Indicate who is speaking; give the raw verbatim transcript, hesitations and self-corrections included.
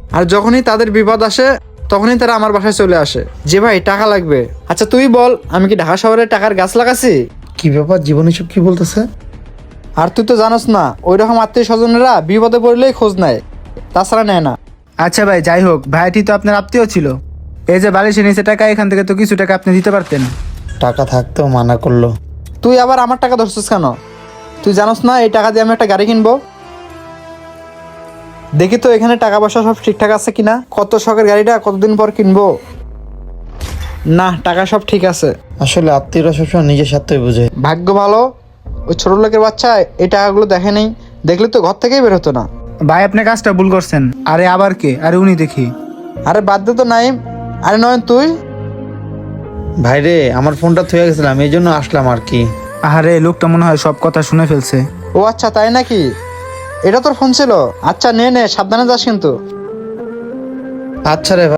Speaker 1: আর যখনই তাদের বিপদ আসে তখনই তারা আমার বাসায় চলে আসে যে ভাই টাকা লাগবে। আচ্ছা তুই বল, আমি কি ঢাকা শহরে টাকার গাছ লাগাছি?
Speaker 2: কি ব্যাপার, জীবন এসব কি বলতেছে?
Speaker 1: আর তুই তো জানোস না, ওই রকম আত্মীয় স্বজনেরা বিপদে পড়লেই খোঁজ নেয়, তাছাড়া নেয় না।
Speaker 3: আচ্ছা ভাই, যাই হোক, ভাইটি তো আপনার আত্মীয় ছিল। এই যে বালিশের নিচে টাকা, এখান থেকে তো কিছু টাকা আপনি দিতে পারতেন।
Speaker 2: টাকা থাকতেও মানা করলো।
Speaker 1: তুই আবার আমার টাকা ধরছিস কেন? তুই জানোস না এই টাকা দিয়ে আমি একটা গাড়ি কিনবো? দেখি তো এখানে টাকা পয়সা সব ঠিকঠাক আছে কিনা। কত শখের গাড়িটা কতদিন পর কিনবো। না, টাকা সব ঠিক আছে।
Speaker 2: আসলে আত্মীয়রা সবসময় নিজের স্বার্থই বুঝে।
Speaker 1: ভাগ্য ভালো, ওই ছোট লোকের বাচ্চা এই টাকাগুলো দেখে নেই, দেখলে তো ঘর থেকেই বের হতো না।
Speaker 3: ভাই আপনি কাজটা ভুল করছেন। আরে আবার কে? আরে উনি দেখি।
Speaker 1: আরে বাদ দে তো নাইম। আরে নয়ন তুই?
Speaker 2: ভাইরে, আমার ফোনটা থুয়ে গেছিলাম, এই জন্য আসলাম আর কি।
Speaker 3: আরে লোকটা মনে হয় সব কথা শুনে ফেলছে।
Speaker 1: ও আচ্ছা, তাই নাকি? এটা তোর ফোন ছিল? আচ্ছা নে নে, সাবধানে যাস কিন্তু।
Speaker 2: আচ্ছা রে ভাই।